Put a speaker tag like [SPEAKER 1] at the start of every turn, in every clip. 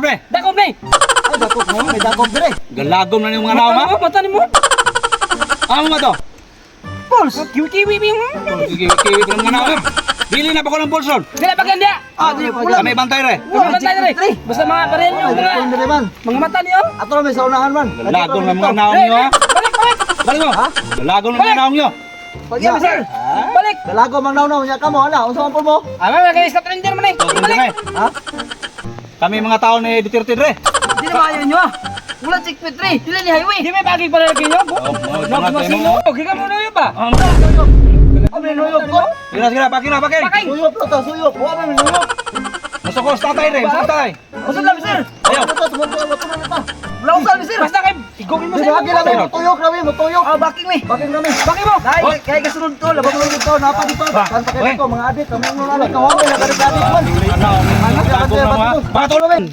[SPEAKER 1] pre.
[SPEAKER 2] Dakop ni.
[SPEAKER 3] Ay, dakop mo. May dakop dire.
[SPEAKER 1] Galagom na yung mga naong, ha?
[SPEAKER 2] Mata ni mo.
[SPEAKER 1] Ano ba to?
[SPEAKER 2] Pulse. Kiwi-kiwi bing.
[SPEAKER 1] Kiwi ko ng mga naong. Bili na ba ko ng pulson?
[SPEAKER 2] Dila pa ganda.
[SPEAKER 1] Kami bantay re.
[SPEAKER 2] Wala tayo rin. Basta mga baril nyo,
[SPEAKER 3] Ay, dakop dire man.
[SPEAKER 2] mga mata niyo.
[SPEAKER 3] Ato na may saunahan man.
[SPEAKER 1] Galagom na mga naong nyo, ha?
[SPEAKER 2] Balik, balik.
[SPEAKER 1] Balik mo.
[SPEAKER 3] Ha?
[SPEAKER 1] Galagom na mga naong nyo.
[SPEAKER 2] Balik, sir. Balik.
[SPEAKER 3] Dalago mang naunaw niya ka mo. Hala, unsa man po mo?
[SPEAKER 2] Ama, kaya sa trender man eh. Balik.
[SPEAKER 3] Ha?
[SPEAKER 1] Kami mga tao ni Duterte re.
[SPEAKER 2] Di na maayon nyo ah. Wala checkpoint 3. Dila ni highway. Di may bagay pala lagi nyo. Nagmasino. Giga mo na yun ba?
[SPEAKER 3] Kami nuyog ko.
[SPEAKER 1] Sige, pakin na, pakin.
[SPEAKER 2] Paking.
[SPEAKER 3] Suyop lo to, suyop. Wa man nuyog.
[SPEAKER 1] Masukos tatay re, masukos tatay.
[SPEAKER 2] Usod lang sir.
[SPEAKER 1] Ayaw.
[SPEAKER 3] Sumunod na ta.
[SPEAKER 2] Wala usal sir. Basta kayo. Igogin mo
[SPEAKER 3] Di
[SPEAKER 2] sir.
[SPEAKER 3] ba kila mo tuyok na mo tuyok.
[SPEAKER 2] Ah, baking mi.
[SPEAKER 3] Bakit kami?
[SPEAKER 2] Baking mo.
[SPEAKER 3] Kaya kasunod to, labang mo dito, napa dito. Kan pa kayo mga adik, kami mo na kawang na adik man.
[SPEAKER 1] Ano, galagom na mga. Bato na men.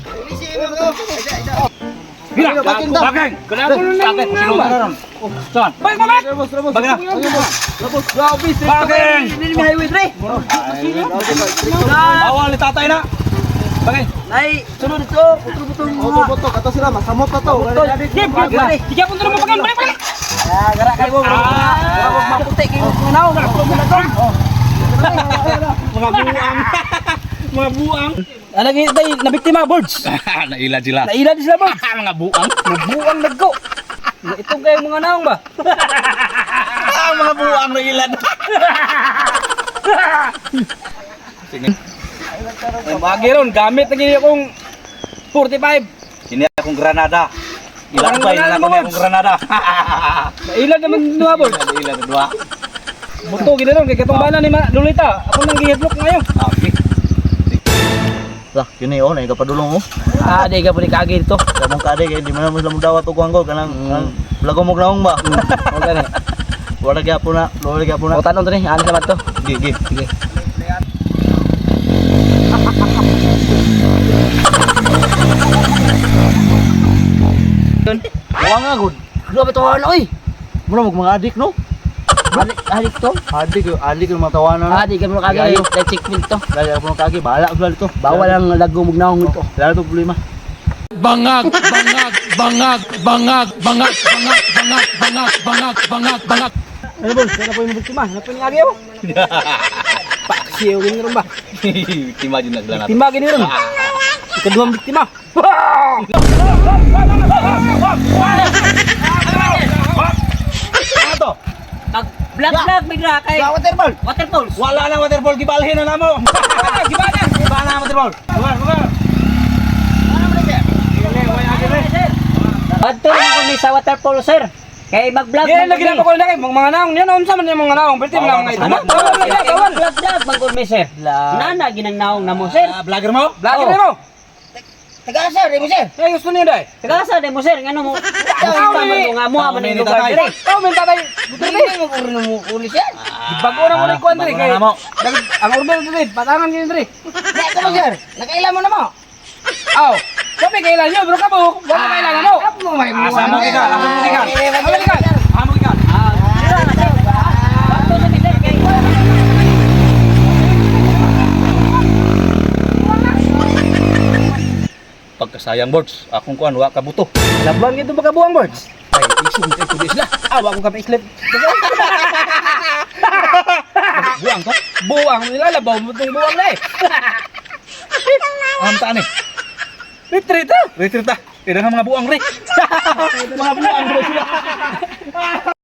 [SPEAKER 1] Bila,
[SPEAKER 3] Baking.
[SPEAKER 1] Galagom na mga. Sino ba ron? Saan?
[SPEAKER 2] Balik mo, balik.
[SPEAKER 3] Rabos.
[SPEAKER 1] Bagay na.
[SPEAKER 3] Rabos, grabe sir.
[SPEAKER 1] Baking.
[SPEAKER 2] Dili ni highway 3.
[SPEAKER 1] Bawal ni tatay na. Bagay.
[SPEAKER 2] Nay, sunod ito. Putro-putro
[SPEAKER 3] Boto, kata sila masamot na to.
[SPEAKER 2] Tiga pun terus makan balik balik. Ya, gerak kayak gua. Gua makutik kayak ngenau enggak perlu menonton.
[SPEAKER 1] Mga buang. Mga buang.
[SPEAKER 2] Lagi tay nabiktima birds.
[SPEAKER 1] Naila sila.
[SPEAKER 2] Naila di sila birds.
[SPEAKER 1] Mga buang.
[SPEAKER 2] Buang nagko. Ito kayak mga naong ba?
[SPEAKER 1] Mga buang na ilan. Sige.
[SPEAKER 2] Bagi ron gamit lagi akong 45.
[SPEAKER 1] Ini akong granada. Ilan ba
[SPEAKER 2] Granada
[SPEAKER 1] ilan
[SPEAKER 2] mo,
[SPEAKER 1] akong granada.
[SPEAKER 2] Naila naman dua birds.
[SPEAKER 1] Ilan dua.
[SPEAKER 2] Buto gid ron kay katong bana ni Lolita. Ako nang gihadlok ngayon.
[SPEAKER 1] Okay.
[SPEAKER 3] Lah, kini oh, naik kapadulong oh.
[SPEAKER 2] Ah, di ka pud kagi dito.
[SPEAKER 3] Kamong kade kay di man mo lamang dawat og anggol kanang lago mo naong ba.
[SPEAKER 2] O gani.
[SPEAKER 3] Wala gyapon na, wala gyapon na.
[SPEAKER 2] O tanon to ni, ani sa to.
[SPEAKER 3] Gi.
[SPEAKER 2] Sige.
[SPEAKER 3] Wala nga gud.
[SPEAKER 2] Grabe to oy.
[SPEAKER 3] Mura mo mga adik no?
[SPEAKER 2] Adik to.
[SPEAKER 3] Adik yung mga tawanan.
[SPEAKER 2] Ah, di ka mo kagi. Let's check to.
[SPEAKER 3] Dahil ako ng kagi, bahala ko dito.
[SPEAKER 2] Bawal ang lago mugnaong ito.
[SPEAKER 3] Lalo itong problema.
[SPEAKER 4] Bangag.
[SPEAKER 2] Ano boss? Kaya na po yung buktima. Ano po yung agyaw? Paksiyo gini rin ba?
[SPEAKER 1] Tima din naglanat.
[SPEAKER 2] Biktima gini rin. Ikaduhang biktima.
[SPEAKER 1] Ano to?
[SPEAKER 2] Black bigla kay
[SPEAKER 1] Waterball.
[SPEAKER 2] waterfalls.
[SPEAKER 1] Wala na waterball, gibalhin na namo.
[SPEAKER 2] Gimana?
[SPEAKER 1] Gibana na waterball. Lugar.
[SPEAKER 2] Adto na ko ni sa waterfall sir. Kay mag-vlog
[SPEAKER 5] Yan lagi na ko na kay mga naong yan unsa man yung mga naong pwede lang mga ito.
[SPEAKER 2] Bawal vlog magkon mi sir. Nana ginang naong namo sir.
[SPEAKER 1] Vlogger mo?
[SPEAKER 5] Lagi na mo.
[SPEAKER 2] Taga-asa di mo sir.
[SPEAKER 5] Eh gusto niyo dai.
[SPEAKER 2] Taga-asa di mo sir ngano mo. Tama mo nga mo man yung lugar dire.
[SPEAKER 5] Oh men tatay.
[SPEAKER 2] Hindi mo puro mo uli sir.
[SPEAKER 5] Bago na mo ni kuan dire kay.
[SPEAKER 1] Bago na mo.
[SPEAKER 5] Ang order dire, patangan gini dire.
[SPEAKER 2] Nek ko sir. Nakailan mo na mo.
[SPEAKER 5] Aw. Sabi kailan nyo bro kabo. Wala kailangan mo.
[SPEAKER 1] Asa mo kita? Asa mo kita?
[SPEAKER 5] Amo ka.
[SPEAKER 1] Amo kita. Pagkasayang boards, akong kuan wa kabuto.
[SPEAKER 5] Labang ito baka buang birds.
[SPEAKER 1] Ay, isum kay kudi sila.
[SPEAKER 5] Awa ko ka pa-slip.
[SPEAKER 1] Buang to.
[SPEAKER 5] Buang nilalabaw mo tong buang na eh.
[SPEAKER 1] Am taan ni.
[SPEAKER 5] Retreat ah.
[SPEAKER 1] Retreat ta. Kaya mga buang re. Mga buang re sila.